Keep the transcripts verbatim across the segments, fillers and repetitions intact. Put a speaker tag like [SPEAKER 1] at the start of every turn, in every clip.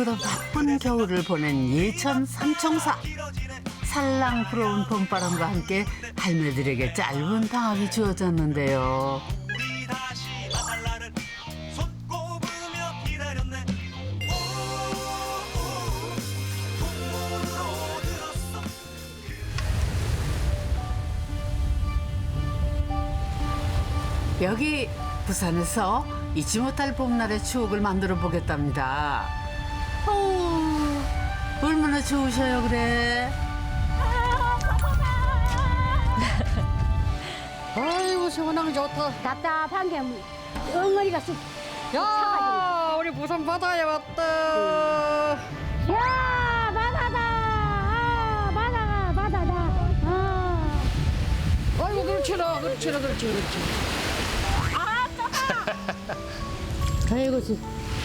[SPEAKER 1] 춥고도 바쁜 겨울을 보낸 예천 삼총사. 살랑 불어온 봄바람과 함께 할매들에게 짧은 방학이 주어졌는데요. 여기 부산에서 잊지 못할 봄날의 추억을 만들어 보겠답니다. 어, 얼마나 좋으셔요 그래.
[SPEAKER 2] 아이고 시원하게 좋다.
[SPEAKER 3] 답답한 게 엉머리가 쑥.
[SPEAKER 2] 야 우리 부산 바다에 왔다.
[SPEAKER 3] 야 바다다. 아, 바다가 바다다. 아.
[SPEAKER 2] 아이고 그렇지라 그렇지라 그렇지 그렇지.
[SPEAKER 3] 아이고 지.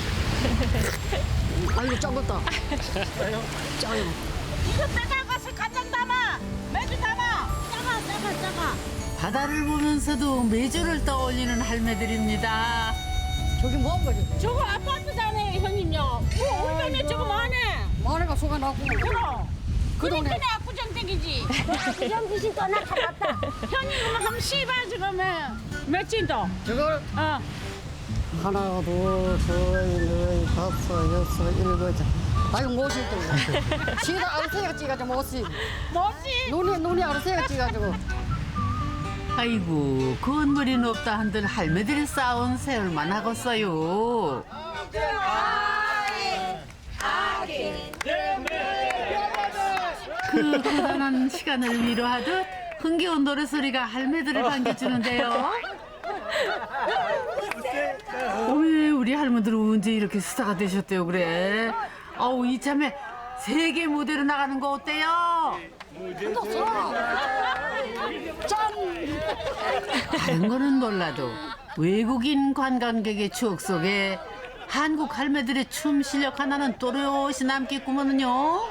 [SPEAKER 2] 아이고 작았다. 짜요.
[SPEAKER 4] 이거 빼나가서 간장 담아, 매주 담아.
[SPEAKER 3] 작아 작아 작아.
[SPEAKER 1] 바다를 보면서도 메주를 떠올리는 할매들입니다.
[SPEAKER 2] 저기 뭐한 거지?
[SPEAKER 4] 저거 아파트잖아요, 형님요. 뭐 우리 동네 저거 뭐하네?
[SPEAKER 2] 마늘가 속아 나고.
[SPEAKER 4] 그럼.
[SPEAKER 2] 그
[SPEAKER 4] 그래
[SPEAKER 2] 동네.
[SPEAKER 4] 그래 압구정댁이지.
[SPEAKER 3] 그냥 귀신 또 나타났다.
[SPEAKER 4] 형님 그러면 한번 씹어 지금은 며칠 더.
[SPEAKER 2] 저걸
[SPEAKER 4] 어.
[SPEAKER 2] 하나 둘셋넷 다섯 여섯 일곱 자. 아이고 못이 또. 시다 아르세가 찍어가지고 못이.
[SPEAKER 4] 뭐지?
[SPEAKER 2] 눈이 눈이 아르세가 찍어가지고.
[SPEAKER 1] 아이고 건물이 없다 한들 할매들이 쌓은 세월만 하겠어요. 그 고단한 시간을 위로하듯 흥겨운 노래소리가 할매들을 반겨주는데요. 왜 우리 할머니들은 언제 이렇게 스타가 되셨대요 그래. 아우 이참에 세계 무대로 나가는 거 어때요? 다른 거는 몰라도 외국인 관광객의 추억 속에 한국 할매들의 춤 실력 하나는 또렷이 남겠구먼요.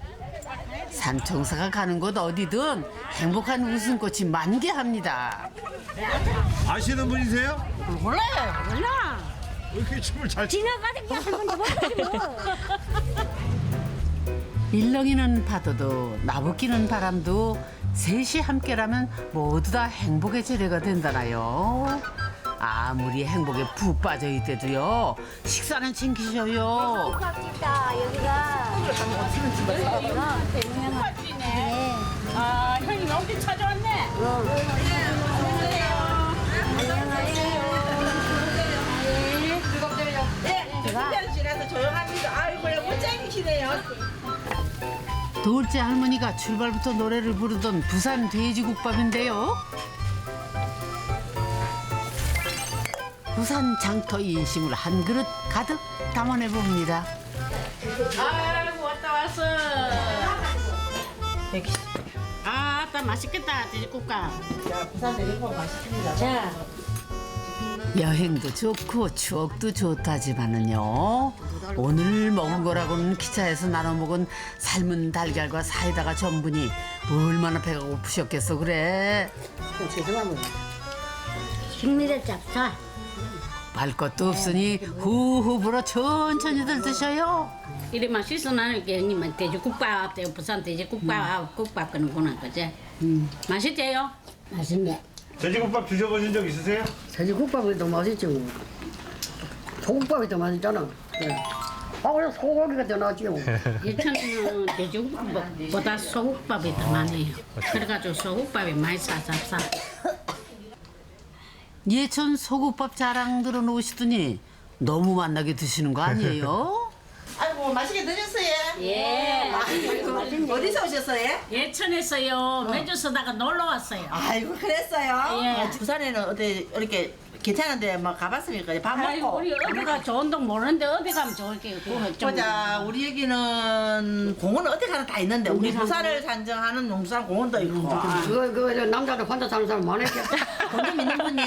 [SPEAKER 1] 삼총사가 가는 곳 어디든 행복한 웃음꽃이 만개합니다.
[SPEAKER 5] 아시는 분이세요?
[SPEAKER 2] 몰라요.
[SPEAKER 3] 몰라.
[SPEAKER 5] 왜 이렇게 춤을 잘 추?
[SPEAKER 3] 지나가는 게 할머니 못하지 뭐.
[SPEAKER 1] 일렁이는 파도도 나부끼는 바람도 셋이 함께라면 모두 다 행복의 재료가 된다나요. 아무리 행복에 푹 빠져 있대도요. 식사는 챙기셔요.
[SPEAKER 3] 고맙다 여기가.
[SPEAKER 4] 네. 아 형님 어디 찾아왔네?
[SPEAKER 6] 지나서 조용합니다. 아이고야 못쟁이시네요.
[SPEAKER 1] 둘째 할머니가 출발부터 노래를 부르던 부산 돼지국밥인데요. 부산 장터 인심을 한 그릇 가득 담아내 봅니다.
[SPEAKER 4] 아이고 왔다 왔어. 아, 아따 맛있겠다 돼지국밥.
[SPEAKER 3] 자.
[SPEAKER 1] 여행도 좋고 추억도 좋다지만은요. 오늘 먹은 거라고는 기차에서 나눠 먹은 삶은 달걀과 사이다가 전부니 얼마나 배가 고프셨겠어 그래.
[SPEAKER 2] 죄송합니다.
[SPEAKER 3] 식미를 잡사.
[SPEAKER 1] 말 것도 없으니 후후 불어 천천히들 드셔요.
[SPEAKER 4] 이리 맛있어 나는 게 형님은 돼지국밥, 부산 돼지국밥, 국밥 끓는구나 그제. 음. 맛있대요?
[SPEAKER 3] 맛있네.
[SPEAKER 5] 돼지국밥 드셔보신 적 있으세요?
[SPEAKER 2] 돼지국밥이 더 맛있지 뭐. 소국밥이 더 맛있잖아. 네. 아 그래 소고기가 더 낫지요.
[SPEAKER 4] 예천은 돼지국밥보다 소국밥이 더 많아요. 그래가지고 소국밥이 많이 싸잡싸.
[SPEAKER 1] 예천 소국밥 자랑 들어놓으시더니 너무 만나게 드시는 거 아니에요?
[SPEAKER 6] 아이고 맛있게 드셨어요?
[SPEAKER 4] 예.
[SPEAKER 6] 아이고, 어디서 오셨어요?
[SPEAKER 4] 예천에서요. 매주 쓰다가 놀러 왔어요.
[SPEAKER 6] 아이고 그랬어요?
[SPEAKER 4] 예.
[SPEAKER 6] 아, 부산에는 어디 이렇게 괜찮은데 막 가봤습니까? 밥
[SPEAKER 4] 아이고
[SPEAKER 6] 먹고.
[SPEAKER 4] 우리 어디가 좋은 동 모르는데 어디 가면 좋을게. 그거 좀.
[SPEAKER 6] 보자 우리 여기는 공원 어디 가나 다 있는데 우리 부산을 산정하는 용산 공원도 있고. 아,
[SPEAKER 2] 그거 그거 남자들 혼자 사는 사람 많을게.
[SPEAKER 6] 돈좀 있는 분이.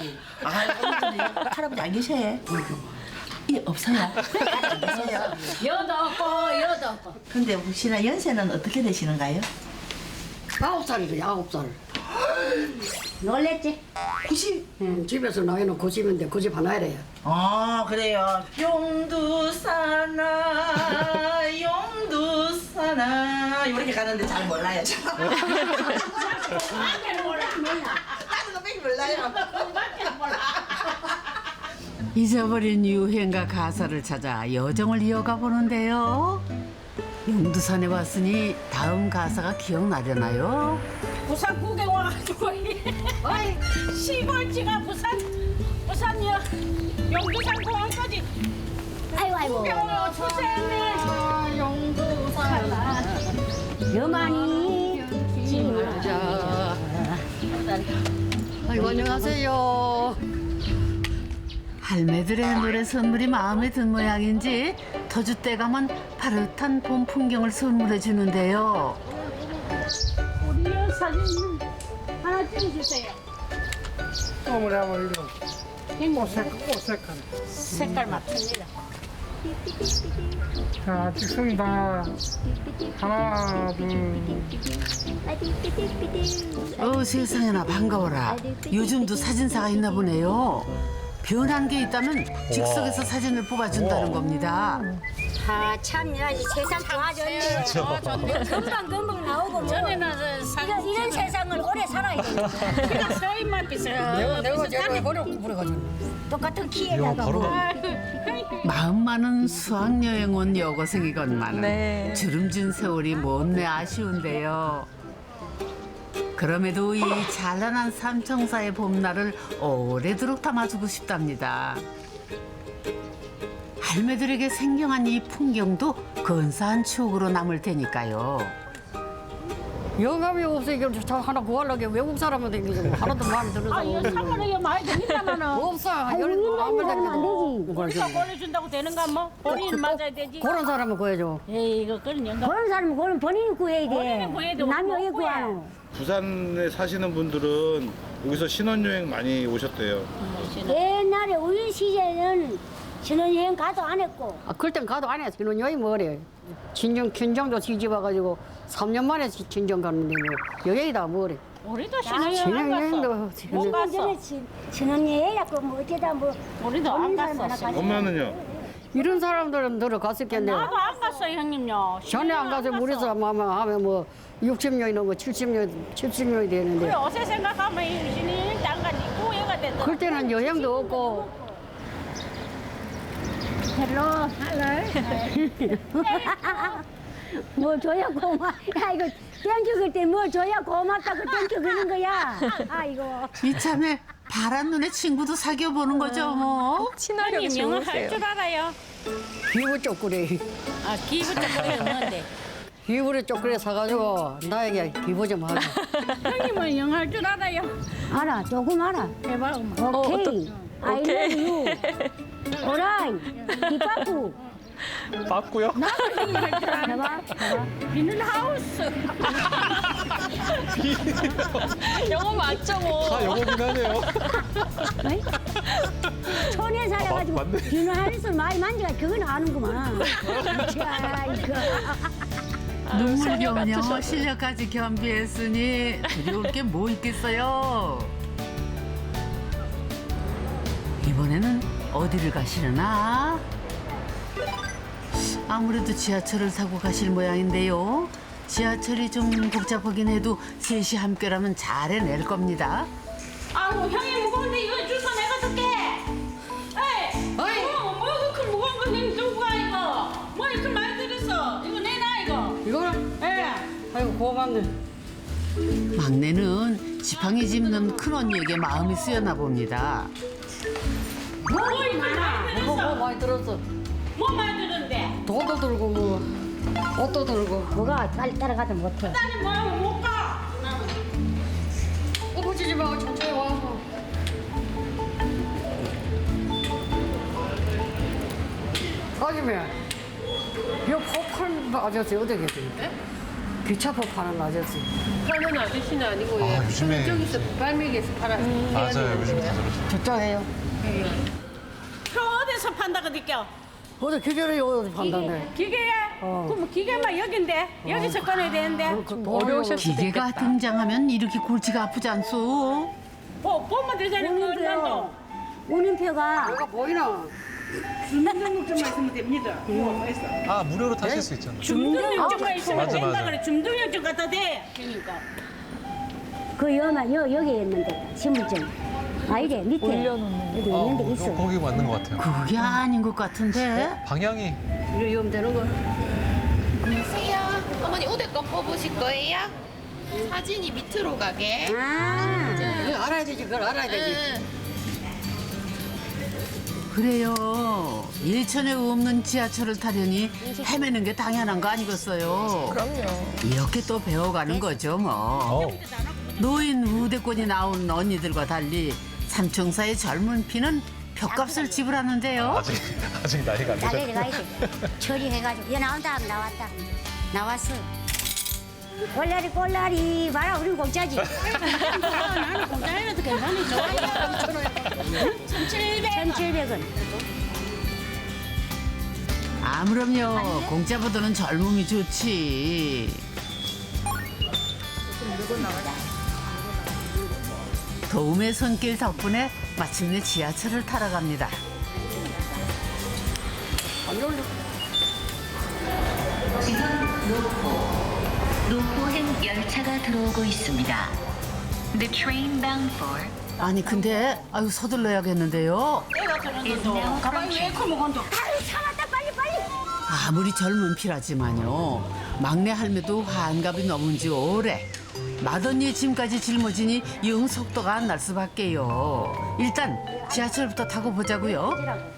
[SPEAKER 6] 아 할아버지 안 계셔요? 예 없어요. 안 계세요.
[SPEAKER 4] 여도 없고 여도 없고.
[SPEAKER 6] 근데 혹시나 연세는 어떻게 되시는가요?
[SPEAKER 2] 아홉 살이죠 아홉 살.
[SPEAKER 3] 놀랬지?
[SPEAKER 6] 구십.
[SPEAKER 2] 응, 집에서 나이는 구십인데 구십 하나 이래요.
[SPEAKER 6] 아 그래요. 용두사나 용두사나 이렇게 가는데 잘 몰라요. 저. 나는 그밖에 몰라요.
[SPEAKER 1] 잊어버린 유행가 가사를 찾아 여정을 이어가 보는데요. 용두산에 왔으니 다음 가사가 기억나려나요?
[SPEAKER 4] 부산 구경 와가지고 어이 시골지가 부산 부산이요 용두산 공항까지
[SPEAKER 3] 아이고 아이고.
[SPEAKER 4] 구경으로 출세했네.
[SPEAKER 3] 여만이
[SPEAKER 2] 아이고 안녕하세요.
[SPEAKER 1] 할매들의 노래 선물이 마음에 든 모양인지 터줏대 감은 파릇한 봄 풍경을 선물해 주는데요.
[SPEAKER 4] 우리 사진 하나 찍어주세요.
[SPEAKER 7] 어머니 한번 이거 오색 오색한.
[SPEAKER 4] 색깔 맞춥니다.
[SPEAKER 7] 자 찍습니다. 하나 둘.
[SPEAKER 1] 어 세상에나 반가워라. 요즘도 사진사가 있나 보네요. 변한 게 있다면 즉석에서 사진을 뽑아준다는 겁니다.
[SPEAKER 3] 아참 세상 좋아졌네. 금방 금방 나오고 뭐.
[SPEAKER 4] 전에는
[SPEAKER 3] 이런, 이런 세상을 오래 살아야 돼.
[SPEAKER 4] 그냥 서인만 비서
[SPEAKER 2] 내가 내가 제가 버려 버려가지고.
[SPEAKER 3] 똑같은 키에다가 뭐.
[SPEAKER 1] 마음 많은 수학여행 온 여고생이건만은 주름진 세월이 못내 아쉬운데요. 그럼에도 이 찬란한 삼청사의 봄날을 오래도록 담아주고 싶답니다. 할매들에게 생경한 이 풍경도 근사한 추억으로 남을 테니까요.
[SPEAKER 2] 영감이 없으니까 저 하나 구하려고 외국 사람한테 이거 하나도 마음에 드는
[SPEAKER 4] 아
[SPEAKER 2] 사람
[SPEAKER 4] 이거
[SPEAKER 2] 없는
[SPEAKER 4] 선물이 이거 많이 됩니다만은
[SPEAKER 2] 없어. 열안
[SPEAKER 4] 우리가 보내준다고 되는가 뭐 본인 맞아야 되지.
[SPEAKER 2] 그런 사람은 구해줘.
[SPEAKER 4] 에이 이거 그런 영감.
[SPEAKER 3] 그런 사람은 그건 본인이 구해야 돼.
[SPEAKER 4] 본인이 구해야 돼.
[SPEAKER 3] 남이 왜
[SPEAKER 4] 못 구해.
[SPEAKER 3] 구하노?
[SPEAKER 5] 부산에 사시는 분들은 여기서 신혼여행 많이 오셨대요.
[SPEAKER 3] 옛날에 우리 시절에는 신혼여행 가도 안 했고
[SPEAKER 2] 아, 그땐 가도 안 해. 신혼여행 뭐래. 친정, 친정도 시집 와가지고 삼 년 만에 시- 친정 갔는데 뭐 여행이다 뭐래.
[SPEAKER 4] 우리도 신혼여행 안
[SPEAKER 2] 신혼여행도
[SPEAKER 4] 갔어. 못
[SPEAKER 2] 지금
[SPEAKER 4] 갔어.
[SPEAKER 3] 전에 신- 신혼여행이라고 뭐 어쩌다 뭐
[SPEAKER 4] 우리도 안
[SPEAKER 3] 없는
[SPEAKER 4] 갔어.
[SPEAKER 3] 사람 하나 가지.
[SPEAKER 5] 엄마는요?
[SPEAKER 2] 이런 사람들은 들어갔었겠네.
[SPEAKER 4] 나도 안 갔어 형님요.
[SPEAKER 2] 전에 안 가서 우리 사람 하면 뭐 육십 년이 넘고 칠십 년, 칠십 년이 되는데
[SPEAKER 4] 그래 어제 생각하면 이 신혼여행 안 가지 후회가 된다.
[SPEAKER 2] 그때는 여행도 없고
[SPEAKER 3] 헬로 할로 뭐 줘야 고마 야 이거 땡큐 그때 뭐 줘야 고맙다고 땡큐 그는 거야 아이고
[SPEAKER 1] 이참에 파란 눈에 친구도 사귀어 보는 거죠 뭐.
[SPEAKER 8] 친화력이
[SPEAKER 4] 형님 영어 할
[SPEAKER 8] 좋으세요.
[SPEAKER 4] 줄 알아요?
[SPEAKER 2] 비브 쪼꾸리
[SPEAKER 4] 아 기분 좀 그랬는데
[SPEAKER 2] 비브리 쪼꾸리 사가지고 나에게 비브 좀 하고
[SPEAKER 4] 형님은 영어 할 줄 알아요?
[SPEAKER 3] 알아 조금 알아
[SPEAKER 4] 해봐 엄마.
[SPEAKER 3] 오케이 I love you 오라이 기빠꾸
[SPEAKER 8] 맞고요.
[SPEAKER 3] 해봐 해봐
[SPEAKER 4] 비는 하우스.
[SPEAKER 8] 영어 맞죠 뭐.
[SPEAKER 7] 다 영어긴 하네요.
[SPEAKER 3] 어이? 촌에 살아가지고
[SPEAKER 7] 맞네.
[SPEAKER 3] 비누 하늘을 많이 만지가 그건 아는구만 자 이거
[SPEAKER 1] 눈물겨우며 실력까지 겸비했으니 두려울 게 뭐 있겠어요. 이번에는 어디를 가시려나? 아무래도 지하철을 타고 가실 모양인데요. 지하철이 좀 복잡하긴 해도 셋이 함께라면 잘 해낼 겁니다.
[SPEAKER 4] 아우 형이 무거운데 이거 줄 거 내가 줄게. 에이. 어이. 뭐, 뭐 이렇게 무거운 거 형님 들고 가 이거. 뭐 이렇게 많이 들었어. 이거 내놔 이거.
[SPEAKER 2] 이거는
[SPEAKER 4] 예.
[SPEAKER 2] 아이고 고맙네.
[SPEAKER 1] 막내는 지팡이 짚는 큰 언니에게 마음이 쓰였나 봅니다.
[SPEAKER 4] 뭐 이렇게 많이
[SPEAKER 2] 뭐, 뭐
[SPEAKER 4] 들었어.
[SPEAKER 2] 많이 들었어.
[SPEAKER 4] 뭐 많이 들었는데.
[SPEAKER 2] 돈도 들고 뭐 옷도 들고
[SPEAKER 3] 뭐가 빨리 따라가지 못해
[SPEAKER 4] 나는 뭐하고 못 가. 나는.
[SPEAKER 2] 꼬부치지 말고 천천히 와서 아줌마 이 포판 아저씨 어디 계십니까? 기차포 파는 아저씨
[SPEAKER 9] 파는 아저씨는 아니고 예.
[SPEAKER 5] 요즘에
[SPEAKER 9] 저기서 발매기에서 팔아.
[SPEAKER 5] 맞아요. 요즘 다 그렇죠.
[SPEAKER 2] 저쪽에요
[SPEAKER 4] 표 어디서 판다 그니까.
[SPEAKER 2] 어디 기계를 어디 판다네
[SPEAKER 4] 기계에
[SPEAKER 3] 어.
[SPEAKER 4] 그럼 기계만 여긴데 여기서 꺼내야 되는데.
[SPEAKER 8] 어려우실 수도
[SPEAKER 1] 기계가
[SPEAKER 8] 있겠다.
[SPEAKER 1] 등장하면 이렇게 골치가 아프지 않소?
[SPEAKER 4] 보 보면 되잖아. 그 얼마도.
[SPEAKER 3] 운임표가
[SPEAKER 2] 내가 보이나?
[SPEAKER 4] 주민등록증만 있으면 됩니다. 뭐 있어?
[SPEAKER 10] 아 무료로 타실 수 있잖아.
[SPEAKER 4] 주민등록증만 있으면
[SPEAKER 10] 맞아,
[SPEAKER 4] 된다
[SPEAKER 10] 맞아.
[SPEAKER 4] 그래. 주민등록증 갖다 대. 그러니까.
[SPEAKER 3] 그 여만 여 여기 있는데 신분증. 아이래 밑에
[SPEAKER 8] 올려놓는
[SPEAKER 3] 여기
[SPEAKER 10] 어,
[SPEAKER 3] 있는데 있어.
[SPEAKER 10] 거기 맞는 것 같아요.
[SPEAKER 1] 그게 아닌 것 같은데.
[SPEAKER 10] 방향이
[SPEAKER 2] 이리 오면 되는 거.
[SPEAKER 11] 안녕하세요. 어머니 우대거 뽑으실 거예요? 사진이 밑으로 가게.
[SPEAKER 3] 아.
[SPEAKER 2] 이거 알아야 되지, 그걸 알아야 되지.
[SPEAKER 11] 응.
[SPEAKER 1] 그래요. 예천에 없는 지하철을 타려니 헤매는 게 당연한 거 아니겠어요?
[SPEAKER 8] 그럼요.
[SPEAKER 1] 이렇게 또 배워가는 거죠 뭐.
[SPEAKER 10] 어,
[SPEAKER 1] 노인 우대권이 나온 언니들과 달리 삼총사의 젊은 피는 벽값을 지불하는데요.
[SPEAKER 10] 아직 아직 나이가 안
[SPEAKER 3] 나가야 돼,
[SPEAKER 10] 되죠.
[SPEAKER 3] 가야 돼. 처리해가지고. 얘 나온다 하면 나왔다. 나왔어. 꼴라리 꼴라리 봐라 우리 공짜지.
[SPEAKER 4] 나는 공장에도 괜찮이 좋아요.
[SPEAKER 3] 천칠백 원.
[SPEAKER 1] 아무렴요. 공짜보다는 젊음이 좋지. 도움의 손길 덕분에 마침내 지하철을 타러 갑니다.
[SPEAKER 12] 노포행 열차가 들어오고 있습니다. The train bound for
[SPEAKER 1] 아니 근데 아유 서둘러야겠는데요.
[SPEAKER 4] 내가 저런데도 가방이 왜 이렇게 무거운데?
[SPEAKER 3] 아유 참았다 빨리 빨리.
[SPEAKER 1] 아무리 젊은 피라지만요. 막내 할매도 환갑이 넘은 지 오래. 맏언니의 짐까지 짊어지니 영 속도가 안 날 수밖에요. 일단 지하철부터 타고 보자고요.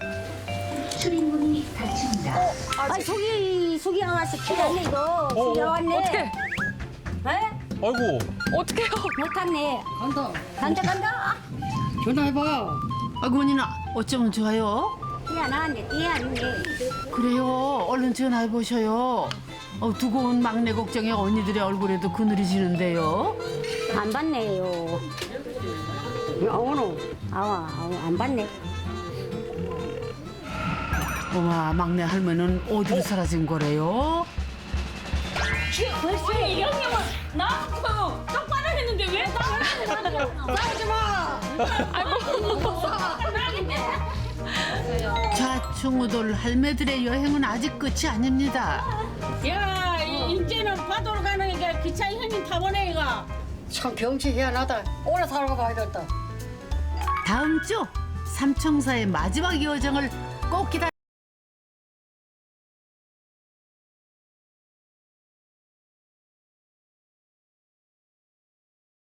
[SPEAKER 12] 출입문이 닫힙니다.
[SPEAKER 3] 아 속이 속이 나왔어. 큰일 났네 이거. 속이 나왔네.
[SPEAKER 8] 어떻게?
[SPEAKER 3] 에?
[SPEAKER 10] 아이고
[SPEAKER 8] 어떡해요?
[SPEAKER 3] 못 탔네.
[SPEAKER 2] 간다.
[SPEAKER 3] 간다 간다.
[SPEAKER 2] 전화해봐.
[SPEAKER 1] 아이고 언니나 어쩌면 좋아요?
[SPEAKER 3] 야 나왔네. 띠안네.
[SPEAKER 1] 그래요. 얼른 전화해 보셔요. 어, 두고 온 막내 걱정에 언니들의 얼굴에도 그늘이 지는데요.
[SPEAKER 3] 안 받네요.
[SPEAKER 2] 아오노.
[SPEAKER 3] 아와 아와 안 받네.
[SPEAKER 1] 어마 막내 할머니는 어디로 사라진 거래요?
[SPEAKER 4] 벌써 이 형님은 나하고 똑바로 했는데 왜 나를 싸우지 마.
[SPEAKER 1] 좌충우돌 할매들의 여행은 아직 끝이 아닙니다.
[SPEAKER 4] 야, 이- 이제는 파도로 가는 게 기차 형님 타보네 이거.
[SPEAKER 2] 참 경치 희한하다. 오래 살고 봐야겠다.
[SPEAKER 1] 다음 주 삼총사의 마지막 여정을 꼭 기다.